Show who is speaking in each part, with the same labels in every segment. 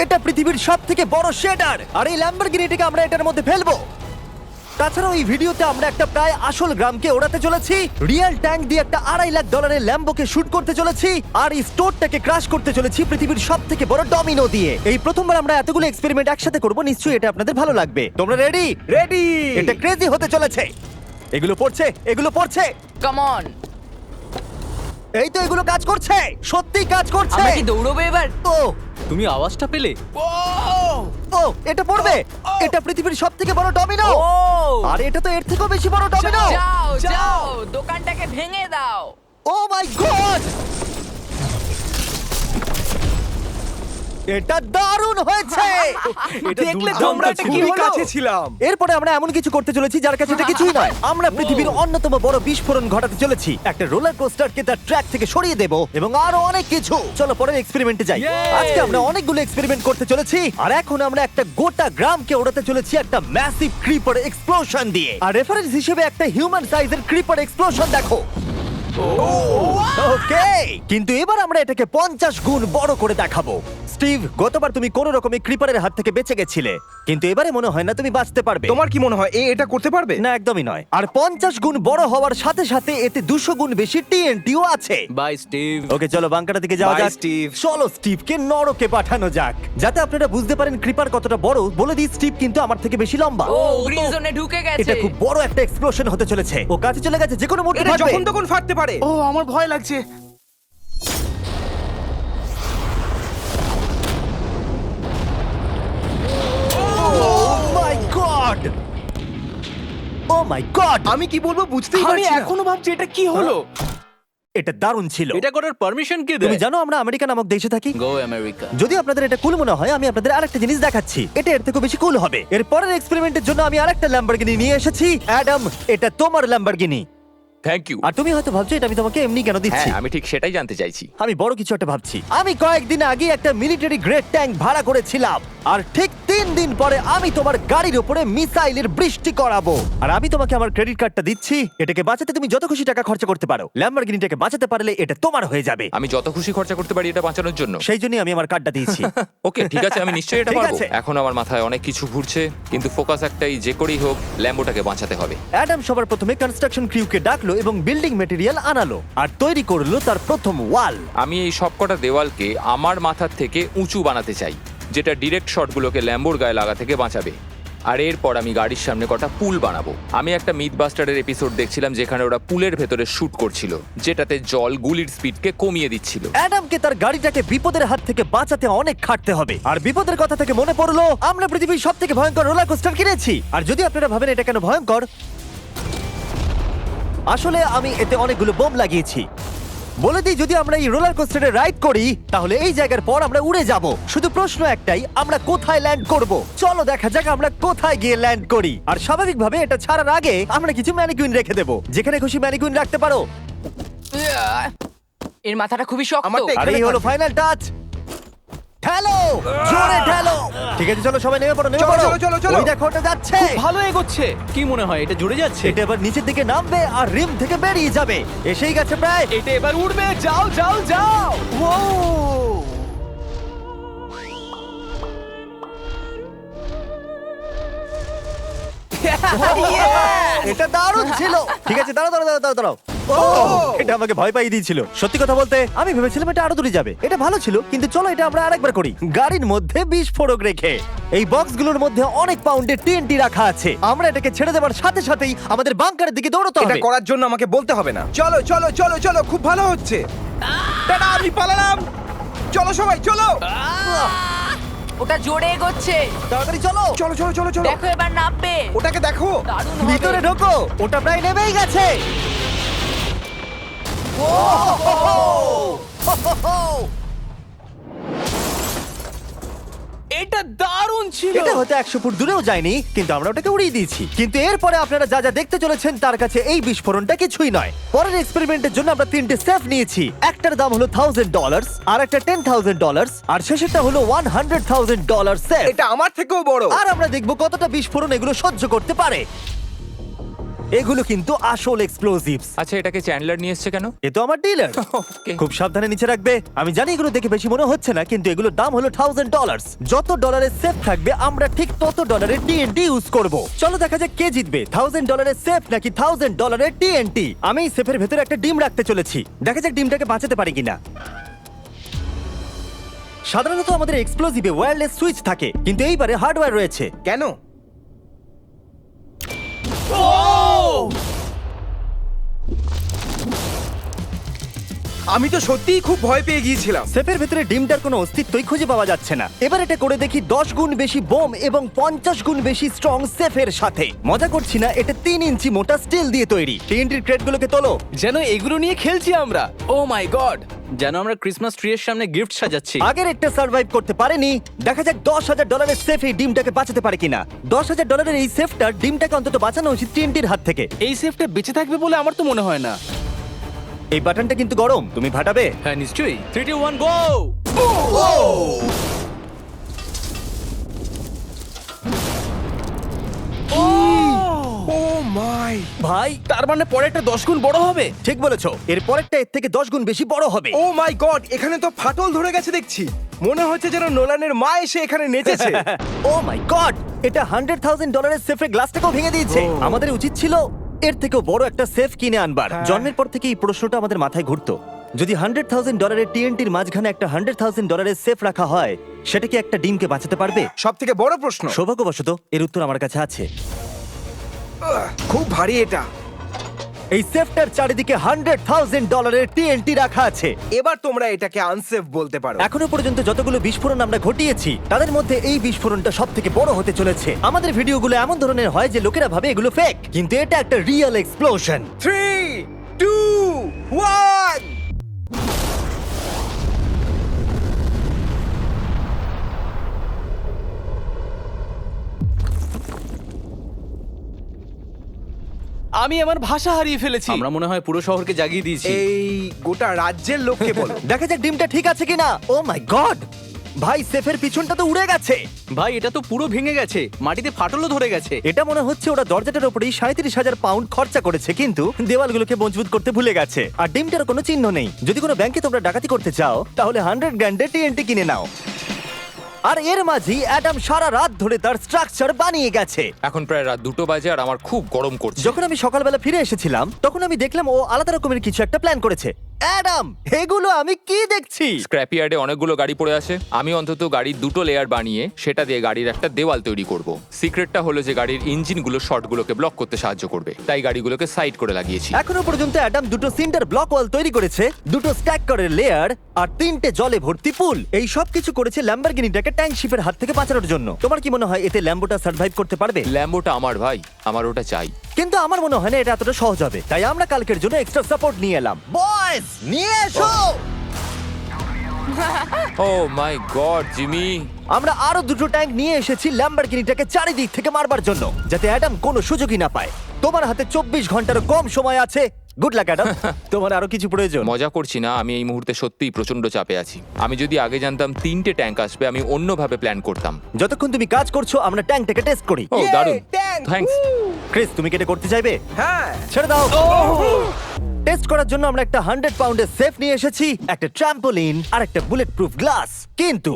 Speaker 1: এটা পৃথিবীর সবথেকে বড় শেডার, আর এই ল্যাম্বরগিনিটাকে আমরা এটার মধ্যে ফেলবো। তাছাড়াও এই ভিডিওতে আমরা একটা প্রায় আসল গ্রামকে ওড়াতে চলেছি, রিয়েল ট্যাঙ্ক দিয়ে একটা $2.5 লাখ ল্যাম্বোকে শুট করতে চলেছি, আর এই স্টোরটাকে ক্রাশ করতে চলেছি পৃথিবীর সবথেকে বড় ডমিনো দিয়ে। এই প্রথমবার আমরা এতগুলো এক্সপেরিমেন্ট একসাথে করব, নিশ্চয়ই এটা আপনাদের ভালো লাগবে। তোমরা রেডি?
Speaker 2: রেডি।
Speaker 1: এটা ক্রেজি হতে চলেছে। এগুলো পড়ছে, এগুলো পড়ছে।
Speaker 3: Come on.
Speaker 1: এই তো এগুলো কাজ করছে, সত্যি কাজ করছে।
Speaker 3: আমরা কি দৌড়বো এবার?
Speaker 1: ও
Speaker 4: তুমি আওয়াজটা পেলে?
Speaker 1: ও এটা পড়বে। এটা পৃথিবীর সবথেকে বড় ডমিনো।
Speaker 3: ও
Speaker 1: আর এটা তো এর থেকেও বেশি বড় ডমিনো।
Speaker 3: যাও যাও দোকানটাকে ভেঙে দাও।
Speaker 1: ও মাই গড, এটা দারুণ হয়েছে।
Speaker 2: দেখলে তোমরা এটা কি কাছে ছিলাম।
Speaker 1: এরপরে আমরা এমন কিছু করতে চলেছি যার কাছে এটা কিছুই নয়। আমরা পৃথিবীর অন্যতম বড় বিস্ফোরণ ঘটাতে চলেছি, একটা রোলার কোস্টারকে তার ট্র্যাক থেকে সরিয়ে দেব এবং আরো অনেক কিছু। চলো পরের এক্সপেরিমেন্টে যাই। আজকে আমরা অনেকগুলো এক্সপেরিমেন্ট করতে চলেছি, আর এখন আমরা একটা গোটা গ্রামকে ওড়াতে চলেছি একটা ম্যাসিভ ক্রিপার এক্সপ্লোশন দিয়ে। আর রেফারেন্স হিসেবে একটা হিউম্যান সাইজের ক্রিপার এক্সপ্লোশন দেখো। ওকে, কিন্তু এবার আমরা এটাকে 50 গুণ বড় করে দেখাবো। স্টিভ, গতবার তুমি কোন রকমে ক্রিপারের হাত থেকে বেঁচে গেছিলে, কিন্তু এবারে মনে হয় না তুমি বাঁচতে পারবে।
Speaker 2: তোমার কি মনে হয় এটা করতে পারবে?
Speaker 1: না, একদমই নয়। আর 50 গুণ বড় হওয়ার সাথে সাথে এতে 200 গুণ বেশি টিএনটিও আছে।
Speaker 4: Bye Steve.
Speaker 1: ওকে, চলো বাংকারের দিকে যাওয়া
Speaker 2: Bye,
Speaker 1: যাক।
Speaker 2: স্টিভ।
Speaker 1: চলো স্টিভকে নরকে পাঠানো যাক। যাতে আপনারা বুঝতে পারেন ক্রিপার কতটা বড়, বলে দিই স্টিভ কিন্তু আমার থেকে বেশি লম্বা।
Speaker 3: ও গ্রিন জোনে ঢুকে গেছে।
Speaker 1: এটা খুব বড় একটা এক্সপ্লোশন হতে চলেছে। ও কাছে চলে গেছে, যে কোনো মুহূর্তে
Speaker 2: এটা
Speaker 1: ফাটবে।
Speaker 2: যখন তখন ফাটতে পারে।
Speaker 5: ও আমার ভয় লাগছে।
Speaker 1: মাই গড, ও মাই গড,
Speaker 2: আমি কি বলবো বুঝতেই
Speaker 5: আমি
Speaker 2: পারছি না।
Speaker 5: এখনো ভাবছি এটা কি হলো।
Speaker 1: এটা দারুণ ছিল।
Speaker 4: এটা করার পারমিশন কে
Speaker 1: তুমি
Speaker 4: দেয়?
Speaker 1: জানো আমরা আমেরিকা নামক দেশে থাকি।
Speaker 4: Go America.
Speaker 1: যদি আপনাদের এটা কুল মনে হয়, আমি আপনাদের আরেকটা জিনিস দেখাচ্ছি, এটা এর থেকে বেশি কুল হবে। এর পরের এক্সপেরিমেন্টের জন্য আমি আরেকটা ল্যাম্বরগিনি নিয়ে এসেছি। অ্যাডাম, এটা তোমার ল্যাম্বরগিনি।
Speaker 6: Thank you.
Speaker 1: আর তুমি হয়তো ভাবছো এটা আমি তোমাকে এমনি কেন দিচ্ছি।
Speaker 6: হ্যাঁ, আমি ঠিক সেটাই জানতে চাইছি।
Speaker 1: আমি বড় কিছু একটা ভাবছি। আমি কয়েকদিন আগে একটা মিলিটারি গ্রেড ট্যাঙ্ক ভাড়া করেছিলাম, আর ঠিক 3 দিন পরে আমি তোমার গাড়ির উপরে মিসাইলের বৃষ্টি করাবো। আর আমি তোমাকে আমার ক্রেডিট কার্ডটা দিচ্ছি, এটাকে বাঁচাতে তুমি যত খুশি টাকা খরচা করতে পারো। ল্যাম্বরগিনিটাকে বাঁচাতে পারলে এটা তোমার হয়ে যাবে।
Speaker 6: আমি যত খুশি খরচা করতে পারি এটা বাঁচানোর জন্য।
Speaker 1: সেই জন্যই আমি আমার কার্ডটা দিয়েছি।
Speaker 6: ওকে, ঠিক আছে, আমি নিশ্চয়ই এটা
Speaker 1: ঠিক
Speaker 6: পারবো।
Speaker 1: আছে।
Speaker 6: এখন আমার মাথায় অনেক কিছু ঘুরছে, কিন্তু ফোকাস একটাই, যে করেই হোক ল্যাম্বোটাকে বাঁচাতে হবে।
Speaker 1: অ্যাডাম সবার প্রথমে কনস্ট্রাকশন ক্রিউকে ডাকলো এবং বিল্ডিং মেটেরিয়াল আনালো, আর তৈরি করলো তার প্রথম ওয়াল।
Speaker 6: আমি এই সবকটা দেওয়ালকে আমার মাথার থেকে উঁচু বানাতে চাই, যেটা ডিরেক্ট শটগুলোকে ল্যাম্বোর গায়ে লাগা থেকে বাঁচাবে। আর এরপর আমি গাড়ির সামনে কটা পুল বানাবো। আমি একটা মিথবাস্টারের এপিসোড দেখছিলাম যেখানে ওরা পুলের ভেতরে শুট করছিল, যেটাতে জল গুলির স্পিডকে কমিয়ে দিচ্ছিল।
Speaker 1: অ্যাডামকে তার গাড়িটাকে বিপদের হাত থেকে বাঁচাতে অনেক খাটতে হবে। আর বিপদের কথা থেকে মনে পড়লো, আমরা পৃথিবীর সবথেকে ভয়ঙ্কর রোলার কোস্টার কিনেছি। আর যদি আপনারা ভাবেন এটা কেন ভয়ঙ্কর, আসলে আমি এতে অনেকগুলো বোম লাগিয়েছি। বলে দিই, যদি আমরা এই রোলার কোস্টারে রাইড করি তাহলে এই জায়গার পর আমরা উড়ে যাব। শুধু প্রশ্ন একটাই, আমরা কোথায় ল্যান্ড করব? চলো দেখা যাক আমরা কোথায় গিয়ে ল্যান্ড করি। আর স্বাভাবিকভাবে এটা ছাড়ার আগে আমরা কিছু ম্যানিকুইন রেখে দেবো। যেখানে খুশি ম্যানিকুইন রাখতে পারো।
Speaker 3: এর মাথাটা খুবই শক্ত।
Speaker 2: আমারটা
Speaker 1: আর এই হলো ফাইনাল টাচ। ঠেলো, জোরে ঠেলো। ঠিক আছে, চলো সবাই নেমে পড়ো, নেমে
Speaker 2: চলো,
Speaker 1: পড়ো।
Speaker 2: চলো, চলো, চলো।
Speaker 1: ওই দেখো ওটা যাচ্ছে।
Speaker 4: ভালো এগোচ্ছে। কি মনে হয় এটা জুড়ে যাচ্ছে?
Speaker 1: এটা এবার নিচের দিকে নামবে আর রিম থেকে বেরিয়ে যাবে। এসেই গেছে প্রায়।
Speaker 5: এটা এবার উড়বে। যাও যাও যাও। ও
Speaker 1: এটা দারুণ ছিল। ঠিক আছে, দাঁড়াও দাঁড়াও দাঁড়াও দাঁড়াও। এটা আমাকে ভয় পাইয়ে দিয়েছিল। সত্যি কথা বলতে আমি ভেবেছিলাম এটা আরো দূরে যাবে। এটা ভালো ছিল, কিন্তু চলো এটা আমরা আরেকবার করি। গাড়ির মধ্যে বিস্ফোরক রেখে। এই বক্সগুলোর মধ্যে অনেক পাউন্ডের টিএনটি রাখা আছে। আমরা এটাকে ছেড়ে দেওয়ার সাথে সাথেই আমাদের বাংকারের দিকে দৌড়তে
Speaker 2: এটা
Speaker 1: হবে।
Speaker 2: করার জন্য আমাকে বলতে হবে না। চলো চলো চলো চলো, খুব ভালো হচ্ছে। টাটা, আমি পালালাম। চলো সবাই চলো।
Speaker 3: ওটা জোরে এগোচ্ছে।
Speaker 1: তাড়াতাড়ি চলো।
Speaker 2: চলো চলো চলো চলো।
Speaker 3: দেখো এবার নামবে।
Speaker 2: ওটাকে দেখো।
Speaker 3: দারুণ
Speaker 1: ভিতরে
Speaker 3: হবে।
Speaker 1: ঢোকো, ওটা প্রায় নেমেই গেছে।
Speaker 5: এটা দারুণ ছিল।
Speaker 1: এটা হয়তো 100 ফুট দূরেও যায়নি, কিন্তু আমরা ওটাকে উড়িয়ে দিয়েছি। কিন্তু এরপরে আপনারা যা যা দেখতে চলেছেন তার কাছে এই বিস্ফোরণটা কিছুই নয়। পরের এক্সপেরিমেন্টের জন্য আমরা 3টে সেফ নিয়েছি। একটার দাম হলো $1000, আর একটা $10,000, আর শেষেরটা হলো $100,000 সেফ।
Speaker 2: এটা আমার থেকেও বড়।
Speaker 1: আর আমরা দেখবো কতটা বিস্ফোরণ এগুলো সহ্য করতে পারে। এগুলো কিন্তু আসল এক্সপ্লোসিভস।
Speaker 6: আচ্ছা, এটাকে চ্যান্ডলার নিয়ে এসছে কেন?
Speaker 1: এ তো আমার ডিলার।
Speaker 6: Okay.
Speaker 1: খুব সাবধানে নিচে রাখবে। আমি জানি এগুলো দেখে বেশি মনে হচ্ছে না, কিন্তু এগুলোর দাম হলো $1000। যত ডলারের সেফ থাকবে আমরা ঠিক তত ডলারের টিএনটি ইউজ করব। চলো দেখা যাক কে জিতবে, $1000 সেফ নাকি $1000 টিএনটি। আমি সেফের ভেতরে একটা ডিম রাখতে চলেছি, দেখা যাক ডিমটাকে বাঁচাতে পারি কিনা। সাধারণত আমাদের এক্সপ্লোসিভে ওয়্যারলেস সুইচ থাকে, কিন্তু এইবারে হার্ডওয়্যার রয়েছে।
Speaker 2: কেন? আমি তো সত্যিই খুব ভয় পেয়ে গিয়েছিলাম।
Speaker 1: সেফের ভেতরে ডিমটার কোনো অস্তিত্বই খুঁজে পাওয়া যাচ্ছে না। এবার এটা করে দেখি 10 গুণ বেশি বোম এবং 50 গুণ বেশি স্ট্রং সেফের সাথে। মজা করছি না, এটা 3 ইঞ্চি মোটা স্টিল দিয়ে তৈরি। টিএনটির ক্রেটগুলোকে তোলো।
Speaker 5: যেন এগুলো নিয়ে খেলছি আমরা। Oh my god.
Speaker 4: যেন আমরা ক্রিসমাস ট্রি এর সামনে গিফট সাজাচ্ছি।
Speaker 1: আগের একটা সার্ভাইভ করতে পারেনি, দেখা যাক $10,000 সেফ এই ডিমটাকে বাঁচাতে পারে কিনা। $10,000 এই সেফটার ডিমটাকে অন্তত বাঁচানো উচিত টিএনটির হাত থেকে।
Speaker 5: এই সেফটা বেঁচে থাকবে বলে আমার তো মনে হয় না।
Speaker 1: এই বাটনটা কিন্তু গরম, তুমি ফাটাবে।
Speaker 4: হ্যাঁ নিশ্চয়ই। 3 2 1 গো।
Speaker 2: ও মাই!
Speaker 1: ভাই
Speaker 5: তার মানে পরেরটা 10 গুণ বড় হবে।
Speaker 1: ঠিক বলেছো, এর পরেরটা এর থেকে 10 গুণ বেশি বড় হবে।
Speaker 2: Oh my god! এখানে তো ফাটল ধরে গেছে দেখছি। মনে হচ্ছে যেন নোলানের মা এসে এখানে নেচেছে।
Speaker 1: ও মাই গড, এটা $100,000 সেফের গ্লাসটাকেও ভেঙে দিয়েছে। আমাদের উচিত ছিল এর থেকেও বড় একটা সেফ কিনে আনবার। জন্মের পর থেকে এই প্রশ্নটা আমাদের মাথায় ঘুরতো, যদি $100,000 টিএনটির মাঝখানে একটা $100,000 সেফ রাখা হয়, সেটা কি একটা ডিমকে বাঁচাতে পারবে?
Speaker 2: সব থেকে বড় প্রশ্ন।
Speaker 1: সৌভাগ্যবশত এর উত্তর আমার কাছে আছে।
Speaker 2: খুব ভারী এটা।
Speaker 1: এই সেফটার চারিদিকে $100,000 টিএনটি রাখা আছে।
Speaker 2: এবার তোমরা এটাকে আনসেফ বলতে পারো।
Speaker 1: এখনো পর্যন্ত যতগুলো বিস্ফোরণ আমরা ঘটিয়েছি তাদের মধ্যে এই বিস্ফোরণটা সব থেকে বড় হতে চলেছে। আমাদের ভিডিওগুলো এমন ধরনের হয় যে লোকেরা ভাবে এগুলো ফেক, কিন্তু এটা একটা রিয়েল এক্সপ্লোশন।
Speaker 2: 3 2 1
Speaker 5: আমি আমার ভাষা হারিয়ে ফেলেছি।
Speaker 4: আমরা মনে হয় পুরো শহরকে জাগিয়ে দিয়েছি।
Speaker 2: এই গোটা রাজ্যের লোককে বলো।
Speaker 1: দেখা যাক ডিমটা ঠিক আছে কিনা। ও মাই গড, ভাই সেফের পিছনটা তো উড়ে গেছে।
Speaker 4: ভাই এটা তো পুরো ভেঙে গেছে, মাটিতে ফাটলও ধরে গেছে।
Speaker 1: এটা মনে হচ্ছে ওরা দরজাটার উপরেই 37,000 পাউন্ড খরচা করেছে, কিন্তু দেওয়ালগুলোকে মজবুত করতে ভুলে গেছে। আর ডিমটার কোনো চিহ্ন নেই। যদি কোনো ব্যাংকে তোমরা ডাকাতি করতে চাও তাহলে 100 গ্র্যান্ডের টিএনটি কিনে নাও। আর এর মাঝেই অ্যাডাম সারা রাত ধরে তার স্ট্রাকচার বানিয়ে গেছে।
Speaker 6: এখন প্রায় রাত 2টো বাজে আর আমার খুব গরম করছে।
Speaker 1: যখন আমি সকালবেলা ফিরে এসেছিলাম তখন আমি দেখলাম ও আলাদা রকমের কিছু একটা প্ল্যান করেছে। অ্যাডাম, এগুলো আমি কি দেখছি?
Speaker 6: স্ক্র্যাপ ইয়ার্ডে অনেকগুলো গাড়ি পড়ে আছে। আমি অন্তত গাড়ির 2টো লেয়ার বানিয়ে সেটা দিয়ে গাড়ির একটা দেওয়াল তৈরি করব। সিক্রেটটা হলো যে গাড়ির ইঞ্জিনগুলো শর্টগুলোকে ব্লক করতে সাহায্য করবে, তাই গাড়িগুলোকে সাইড করে লাগিয়েছি।
Speaker 1: এখনো পর্যন্ত অ্যাডাম 2টো সিন্টার ব্লক ওয়াল তৈরি করেছে, 2টো স্ট্যাক করের লেয়ার আর 3টে জলে ভর্তি পুল। এই সব কিছু করেছে ল্যাম্বরগিনিটাকে ট্যাঙ্ক শিপের হাত থেকে বাঁচানোর জন্য। তোমার কি মনে হয় এতে ল্যাম্বোটা সার্ভাইভ করতে পারবে?
Speaker 6: ল্যাম্বোটা আমার ভাই, আমার ওটা চাই।
Speaker 1: কিন্তু আমার মনে হয় না এটা এতটা সহজ হবে, তাই আমরা কালকের জন্য এক্সট্রা সাপোর্ট নিয়ে এলাম। বয়েজ, নিয়ে এসো।
Speaker 6: ও মাই গড জিমি,
Speaker 1: আমরা আরো 2টো ট্যাঙ্ক নিয়ে এসেছি ল্যাম্বরগিনিটাকে চারিদিক থেকে মারবার জন্য, যাতে অ্যাডাম কোনো সুযোগই না পায়। তোমার হাতে 24 ঘন্টারও কম সময় আছে। Good luck Adam. তোমার আরো কিছু প্রয়োজন?
Speaker 6: মজা করছি না, আমি এই মুহূর্তে সত্যিই প্রচন্ড চাপে আছি। আমি যদি আগে জানতাম 3টে ট্যাঙ্ক আসবে আমি অন্যভাবে প্ল্যান করতাম।
Speaker 1: যতক্ষণ তুমি কাজ করছো আমরা ট্যাঙ্কটাকে টেস্ট করি।
Speaker 6: ও
Speaker 2: Yay,
Speaker 6: দারুণ,
Speaker 2: tank!
Speaker 6: থ্যাঙ্কস।
Speaker 1: ক্রিস, তুমি কি এটা করতে চাইবে?
Speaker 2: হ্যাঁ।
Speaker 1: ছেড়ে দাও। টেস্ট করার জন্য আমরা একটা 100 পাউন্ডের সেফ নিয়ে এসেছি, একটা ট্রাম্পোলিন আর একটা বুলেট প্রুফ গ্লাস। কিন্তু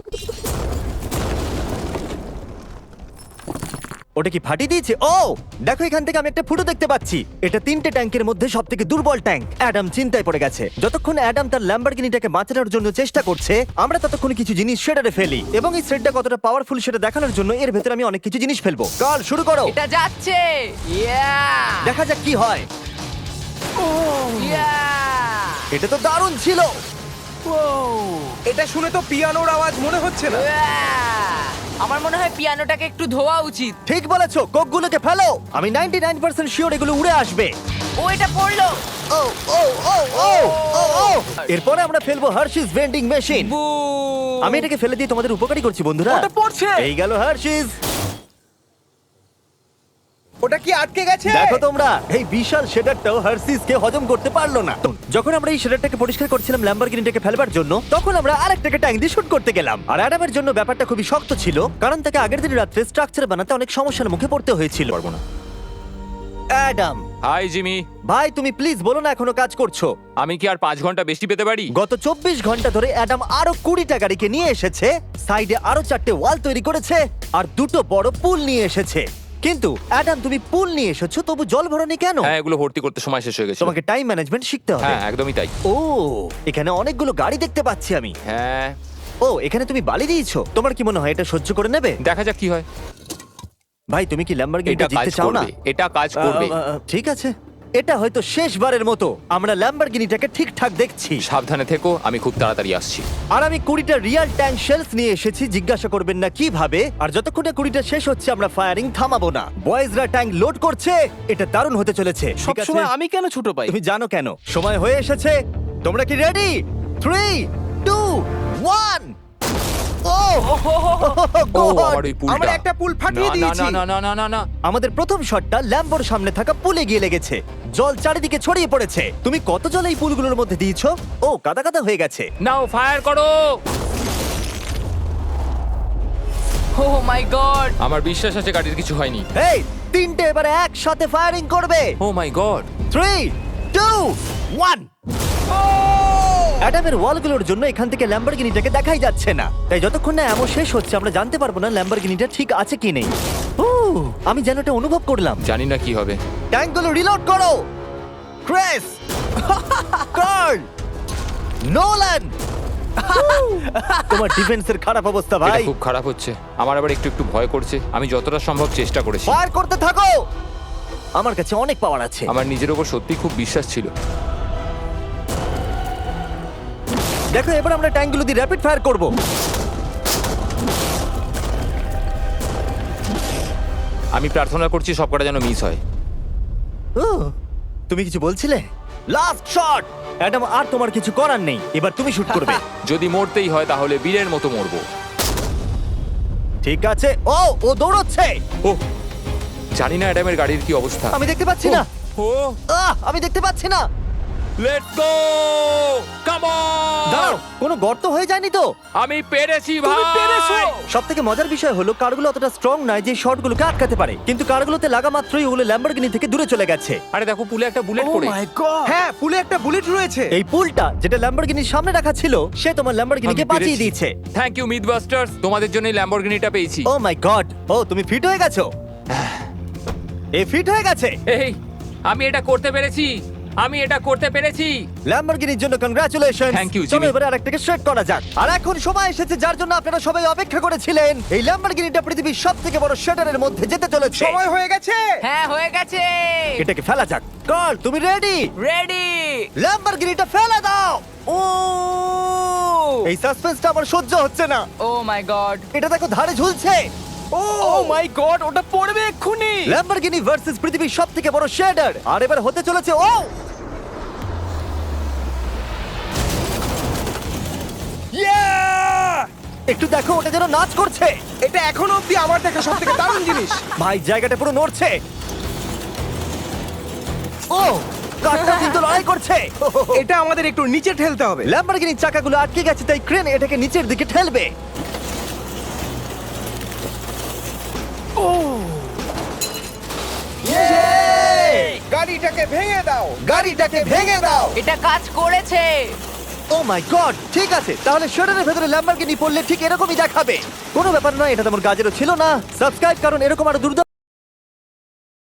Speaker 1: ওটা কি ফাটিয়ে দিয়েছে? ও দেখো, এখান থেকে আমি একটা ফুটো দেখতে পাচ্ছি। এটা 3টে ট্যাঙ্কের মধ্যে সব থেকে দুর্বল ট্যাঙ্ক। অ্যাডাম চিন্তায় পড়ে গেছে। যতক্ষণ অ্যাডাম তার ল্যাম্বরগিনিটাকে বাঁচানোর জন্য চেষ্টা করছে, আমরা ততক্ষণ কিছু জিনিস শেডারে ফেলি, এবং এই শেডটা কতটা পাওয়ারফুল সেটা দেখানোর জন্য এর ভেতরে আমি অনেক কিছু জিনিস ফেলবো। কাল শুরু করো,
Speaker 3: এটা যাচ্ছে। ইয়া!
Speaker 1: দেখা যাক কি হয়।
Speaker 3: ইয়া!
Speaker 1: এটা তো দারুণ ছিল।
Speaker 2: এটা শুনে তো পিয়ানোর আওয়াজ মনে হচ্ছে না।
Speaker 3: ইয়া! আমার মনে হয় পিয়ানোটাকে একটু ধোয়া উচিত।
Speaker 1: ঠিক বলেছো, কোকগুলোকে ফেলো। আমি 99% শিওর এগুলো উড়ে আসবে।
Speaker 3: ও এটা পড়লো।
Speaker 1: ও ও ও ও ও ও এরপরে আমরা ফেলবো হার্শিস ভেন্ডিং মেশিন।
Speaker 3: বু!
Speaker 1: আমি এটাকে ফেলে দিয়ে তোমাদের উপকারী করছি বন্ধুরা।
Speaker 5: ওটা পড়ছে।
Speaker 1: এই গেল হার্শিস।
Speaker 2: ওটা কি আটকে গেছে?
Speaker 1: দেখো তোমরা, এই বিশাল শেডারটাও হার্সিসকে হজম করতে পারলো না। যখন আমরা এই শেডারটাকে পরিষ্কার করছিলাম ল্যাম্বরগিনিটাকে ফেলবার জন্য, তখন আমরা আরেকটাকে ট্যাঙ্ক দিয়ে শুট করতে গেলাম। আর অ্যাডামের জন্য ব্যাপারটা খুবই শক্ত ছিল, কারণ তাকে আগের দিন রাত্রে স্ট্রাকচার বানাতে অনেক সমস্যার মুখে পড়তে হয়েছিল।
Speaker 6: পারবো না।
Speaker 1: অ্যাডাম।
Speaker 6: Hi Jimmy.
Speaker 1: ভাই তুমি প্লিজ বলো না এখনো কাজ করছো।
Speaker 6: আমি কি আর 5 ঘন্টা বেশি পেতে পারি?
Speaker 1: গত 24 ঘন্টা ধরে অ্যাডাম আরো 20টা গাড়িকে নিয়ে এসেছে, সাইডে আরো 4টে ওয়াল তৈরি করেছে, আর 2টো বড় পুল নিয়ে এসেছে। কিন্তু অ্যাডাম তুমি পুল নিয়ে এসেছো, তবু জল ভরনি কেন?
Speaker 6: হ্যাঁ, এগুলো ভর্তি করতে সময় শেষ হয়ে গেছে।
Speaker 1: তোমাকে টাইম ম্যানেজমেন্ট শিখতে হবে।
Speaker 6: হ্যাঁ, একদমই তাই।
Speaker 1: ও, এখানে অনেকগুলো গাড়ি দেখতে পাচ্ছি আমি।
Speaker 6: হ্যাঁ,
Speaker 1: ও, এখানে তুমি বালি দিয়েছো। তোমার কি মনে হয় এটা সহ্য করে নেবে?
Speaker 6: দেখা যাক কি হয়।
Speaker 1: ভাই তুমি কি ল্যাম্বরগিনিটা
Speaker 6: এটা কাজ
Speaker 1: জিততে চাও না?
Speaker 6: করবে, এটা কাজ করবে।
Speaker 1: ঠিক আছে, এটা হয়তো শেষবারের মতো আমরা ল্যাম্বরগিনিটাকে ঠিকঠাক দেখছি।
Speaker 6: সাবধানে থেকো, আমি খুব তাড়াতাড়ি আসছি।
Speaker 1: আর আমি 20টা রিয়েল ট্যাঙ্ক শেলস নিয়ে এসেছি, জিজ্ঞাসা করবেন না কিভাবে। আর যতক্ষণ না 20টা শেষ হচ্ছে আমরা ফায়ারিং থামাবো না। বয়েজরা ট্যাঙ্ক লোড করছে, এটা দারুণ হতে চলেছে। ঠিক আছে,
Speaker 5: সবসময় আমি কেন ছোট পাই?
Speaker 1: তুমি জানো কেন। সময় হয়ে এসেছে, তোমরা কি রেডি? 3, 2, 1 ও
Speaker 6: ও,
Speaker 1: God!
Speaker 6: আমার ওই পুলটা।
Speaker 2: আমরা একটা পুল ফাটিয়ে
Speaker 6: না,
Speaker 2: দিয়েছি।
Speaker 6: না, না, না, না, না, না।
Speaker 1: আমাদের প্রথম শটটা ল্যাম্বোর সামনে থাকা পুলে গিয়ে লেগেছে। জল চারিদিকে ছড়িয়ে পড়েছে। তুমি কত জল এই পুলগুলোর মধ্যে দিয়েছো? ও, কাদা কাদা হয়ে গেছে।
Speaker 6: নাও, ফায়ার করো।
Speaker 3: Oh my god!
Speaker 6: আমার বিশ্বাস আছে গাড়ির কিছু হয়নি।
Speaker 1: এই, 3টে এবারে একসাথে ফায়ারিং করবে।
Speaker 6: ও মাই গড।
Speaker 1: 3, 2, 1 অ্যাডামের ওয়ালগুলোর জন্য এখান থেকে ল্যাম্বরগিনিটাকে দেখাই যাচ্ছে না, তাই যতক্ষণ না এমন শেষ হচ্ছে আমরা জানতে পারবো না ল্যাম্বরগিনিটা ঠিক আছে কি নেই। আমি যেন এটা অনুভব করলাম।
Speaker 6: জানি না কি হবে।
Speaker 1: ট্যাঙ্কগুলো রিলোড করো। Chris, Carl, Nolan. তোমার ডিফেন্সের খারাপ অবস্থা
Speaker 6: এটা
Speaker 1: ভাই।
Speaker 6: খুব খারাপ হচ্ছে। আমার আবার একটু একটু ভয় করছে। আমি যতটা সম্ভব চেষ্টা করেছি।
Speaker 1: ফায়ার করতে থাকো। আমার কাছে অনেক পাওয়ার আছে।
Speaker 6: আমার নিজের ওপর সত্যি খুব বিশ্বাস ছিল।
Speaker 1: দেখো, এবার আমরা ট্যাঙ্কগুলো দিয়ে র্যাপিড ফায়ার করব।
Speaker 6: আমি প্রার্থনা করছি সবকটা যেন মিস হয়।
Speaker 1: ও, তুমি কিছু বলছিলে? Last shot. অ্যাডাম, আর তোমার কিছু করার নেই, এবার তুমি শুট করবে।
Speaker 6: যদি মরতেই হয় তাহলে বীরের মতো মরবো।
Speaker 1: ঠিক আছে। ও দৌড়চ্ছে।
Speaker 6: ও, জানি না অ্যাডামের গাড়ির কি অবস্থা।
Speaker 1: আমি দেখতে পাচ্ছি না।
Speaker 6: ও,
Speaker 1: আমি দেখতে পাচ্ছি না।
Speaker 6: Let's go, come on.
Speaker 1: দাঁড়াও, কোনো গর্ত হয়ে যায়নি তো?
Speaker 6: আমি পেরেছি ভাই।
Speaker 1: সব থেকে মজার বিষয় হলো কারগুলো অতটা স্ট্রং নয় যে শটগুলোকে আটকাতে পারে, কিন্তু কারগুলোতে লাগা মাত্রই ওগুলো ল্যাম্বরগিনি থেকে দূরে চলে গেছে।
Speaker 6: আরে দেখো, পুলে একটা বুলেট
Speaker 5: ও
Speaker 6: পড়ে।
Speaker 5: My god!
Speaker 2: হ্যাঁ, পুলে একটা বুলেট রয়েছে।
Speaker 1: এই পুলটা যেটা ল্যাম্বরগিনির সামনে রাখা ছিল, সে তোমার ল্যাম্বরগিনিকে
Speaker 6: আমি পেরেছি।
Speaker 1: বাঁচিয়ে দিয়েছে।
Speaker 6: থ্যাংক ইউ মিথবাস্টার্স, তোমাদের জন্যই ল্যাম্বরগিনিটা পেয়েছি।
Speaker 1: ও মাই গড। ও, তুমি ফিট হয়ে গেছো। এই ফিট হয়ে গেছে।
Speaker 6: এই, আমি এটা করতে পেরেছি। আমি এটা করতে পেরেছি।
Speaker 1: ল্যাম্বরগিনির জন্য কংগ্রাচুলেশন।
Speaker 6: Thank you,
Speaker 1: চলো
Speaker 6: Jimmy.
Speaker 1: এবারে আরেকটাকে সেট করা যাক। আর এখন সময় এসেছে যার জন্য আপনারা সবাই অপেক্ষা করেছিলেন। এই ল্যাম্বরগিনিটা পৃথিবীর সবথেকে বড় শেডারের মধ্যে যেতে চলেছে।
Speaker 2: সময় হয়ে গেছে।
Speaker 3: হ্যাঁ, হয়ে গেছে।
Speaker 1: এটাকে ফেলা যাক। কার্ল, তুমি রেডি?
Speaker 3: রেডি।
Speaker 1: ল্যাম্বরগিনিটা ফেলে দাও। ও, এই সাসপেন্সটা আমার সহ্য হচ্ছে না।
Speaker 3: Oh my god!
Speaker 1: এটা দেখো ধারে ঝুলছে।
Speaker 5: ও মাই গড, ওটা পড়বে এক্ষুনি!
Speaker 1: ল্যাম্বরগিনি ভার্সেস পৃথিবীর সবথেকে বড় শেডার। আর এবার হতে চলেছে একটু দেখো, ওটা যেন নাচ করছে।
Speaker 2: এটা এখনো অব্দি আমার দেখা সবথেকে দারুণ জিনিস।
Speaker 1: ভাই, জায়গাটা পুরো নড়ছে। ও, কারটা কিন্তু লড়াই করছে।
Speaker 2: এটা আমাদের একটু নিচে ঠেলতে হবে।
Speaker 1: ল্যাম্বরগিনির চাকাগুলো আটকে গেছে, তাই ক্রেন এটাকে নিচের দিকে ঠেলবে।
Speaker 2: গাড়িটাকে ভেঙে দাও।
Speaker 1: গাড়িটাকে ভেঙে দাও।
Speaker 3: এটা কাজ করেছে।
Speaker 1: Oh my god. ঠিক আছে, তাহলে শেডারের ভেতরে ল্যাম্বরগিনি পড়লে ঠিক এরকমই দেখাবে। কোনো ব্যাপার নয়, এটা তেমন কাজেরও ছিল না। সাবস্ক্রাইব, কারণ এরকম আরো দুর্দান্ত